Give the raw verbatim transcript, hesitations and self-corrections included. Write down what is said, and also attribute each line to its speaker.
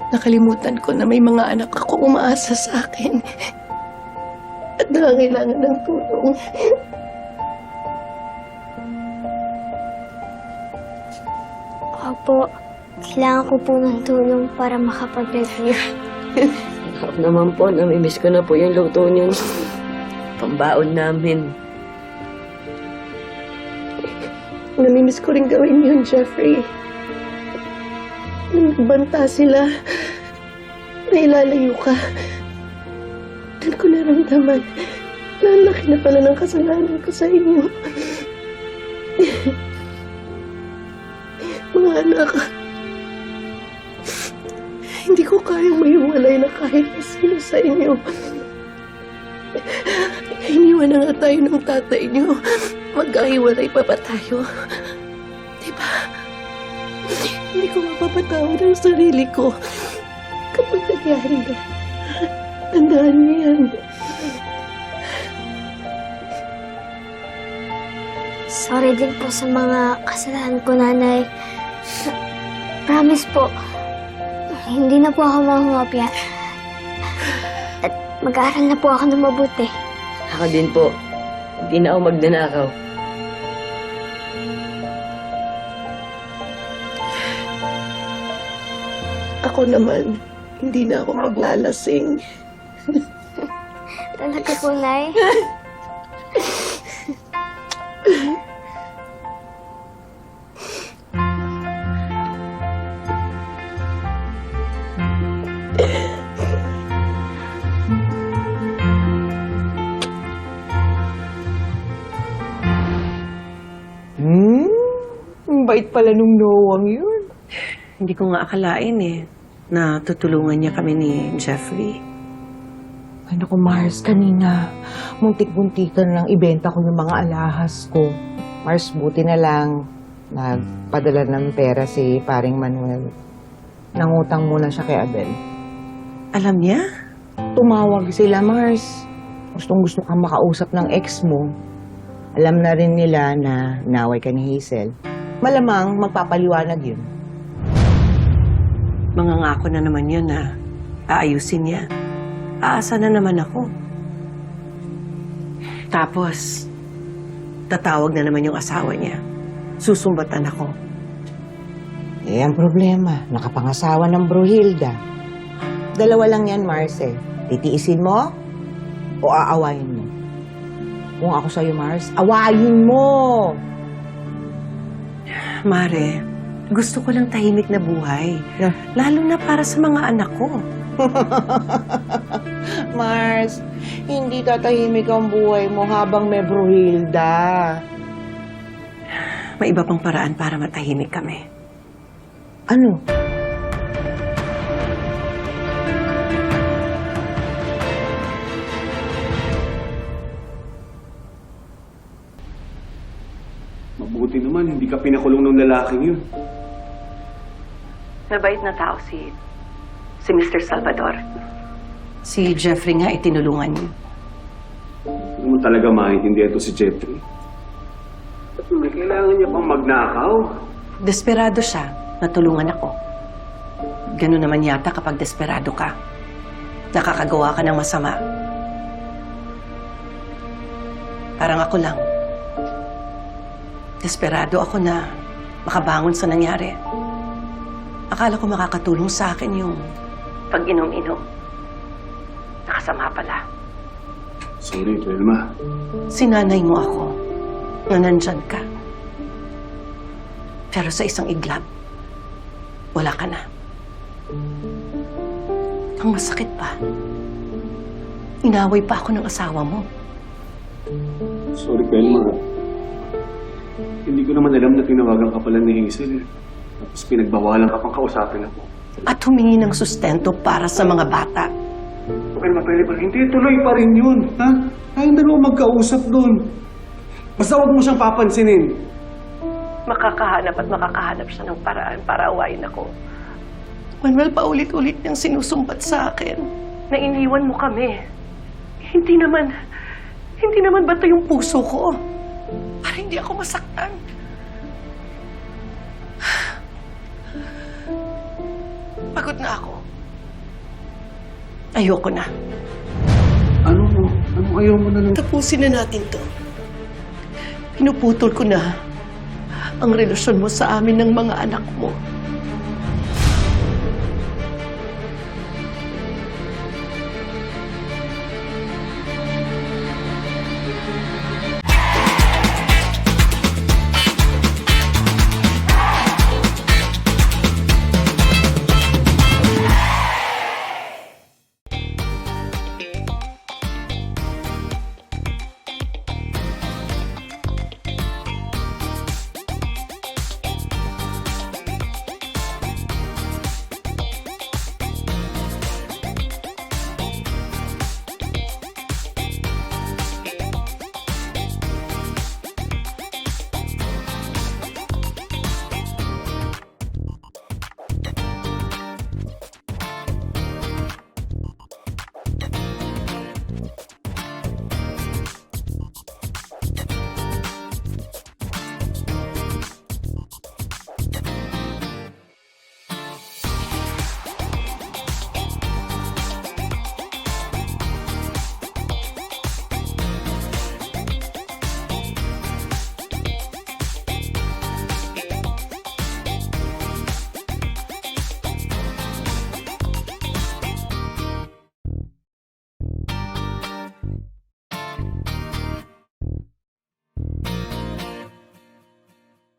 Speaker 1: Nakalimutan ko na may mga anak ako umaasa sa akin at nangangailangan ng tulong.
Speaker 2: Opo, kailangan ko po ng tulong para makapag-review.
Speaker 3: Ako naman po, namimiss ko na po yung luto niyo. Pambaon namin.
Speaker 1: Namimiss ko rin gawin yun, Jeffrey. Nung nagbanta sila, nailalayo ka. Doon ko naramdaman na ang laki na pala ng kasalanan ko sa inyo. Mga anak, hindi ko kayang maiwalay na kahit na sino sa inyo. Iniwan na nga tayo ng tatay niyo. Magkahiwalay pa ba tayo? Diba? Hindi ko mapapatawad ang sarili ko kapag nangyari na. Tandaan niyo yan.
Speaker 2: Sorry din po sa mga kasalanan ko, Nanay. Promise po, hindi na po ako mahumopya. At mag-aaral na po ako ng mabuti.
Speaker 3: Ako din po. Hindi na ako magnanakaw.
Speaker 1: Ako naman, hindi na ako maglalasing.
Speaker 2: Talaga po, Nay.
Speaker 4: Hmm? Ang bait pala nung Noang yun.
Speaker 5: Hindi ko nga akalain eh, na tutulungan niya kami ni Jeffrey.
Speaker 4: Ay naku, Mars, kanina, muntik-muntikan lang ibenta ko yung mga alahas ko. Mars, buti na lang nagpadala ng pera si paring Manuel. Nangutang muna siya kay Abel.
Speaker 5: Alam niya?
Speaker 4: Tumawag sila, Mars. Gustong gusto kang makausap ng ex mo. Alam na rin nila na naway ka ni Hazel. Malamang magpapaliwanag yun.
Speaker 5: Mangangako na naman yun na aayusin niya. Aasa na naman ako. Tapos, tatawag na naman yung asawa niya. Susumbatan ako.
Speaker 4: Eh, ang problema, nakapangasawa ng Bruhilda. Dalawa lang yan, Mars, eh. Titiisin mo o aawayin mo? Kung ako sa'yo, Mars, awayin mo!
Speaker 5: Mare, gusto ko lang tahimik na buhay.
Speaker 4: Yeah.
Speaker 5: Lalo na para sa mga anak ko.
Speaker 4: Mars, hindi tatahimik ang buhay mo habang may Bruhilda.
Speaker 5: May iba pang paraan para matahimik kami.
Speaker 4: Ano?
Speaker 6: Mabuti naman, hindi ka pinakulong ng lalaking yun.
Speaker 5: Mabait na tao si, si Mister Salvador. Si Jeffrey nga itinulungan niyo.
Speaker 6: Hindi mo talaga maintindihan ito si Jeffrey. Ba't may kailangan niya pang magnakaw?
Speaker 5: Desperado siya, natulungan ako. Ganun naman yata kapag desperado ka. Nakakagawa ka ng masama. Parang ako lang. Desperado ako na makabangon sa nangyari. Akala ko makakatulong sa akin yung pag-inom-inom. Nakasama pala.
Speaker 6: Sorry, Velma.
Speaker 5: Sinanay mo ako na nandyan ka. Pero sa isang iglap, wala ka na. Ang masakit pa, inaway pa ako ng asawa mo.
Speaker 6: Sorry, Velma. Hindi ko naman alam na tinawagan ka pala ni Hazel. Tapos pinagbawalan ka pang kausapin ako.
Speaker 5: At humingi ng sustento para sa mga bata.
Speaker 6: Velma, Velma, hindi tuloy pa rin yun. Ha? Tayong dalawa magkausap doon. Basta huwag mo siyang papansinin.
Speaker 5: Makakahanap at makakahanap siya ng paraan para awayin ako. Manuel, paulit-ulit niyang sinusumbat sa akin na iniwan mo kami. Hindi naman, hindi naman ba ito yung puso ko? Para hindi ako masaktan. Pagod na ako. Ayoko na.
Speaker 6: Ano mo? Ano ayaw mo na lang?
Speaker 5: Tapusin na natin to. Pinuputol ko na ang relasyon mo sa amin ng mga anak mo.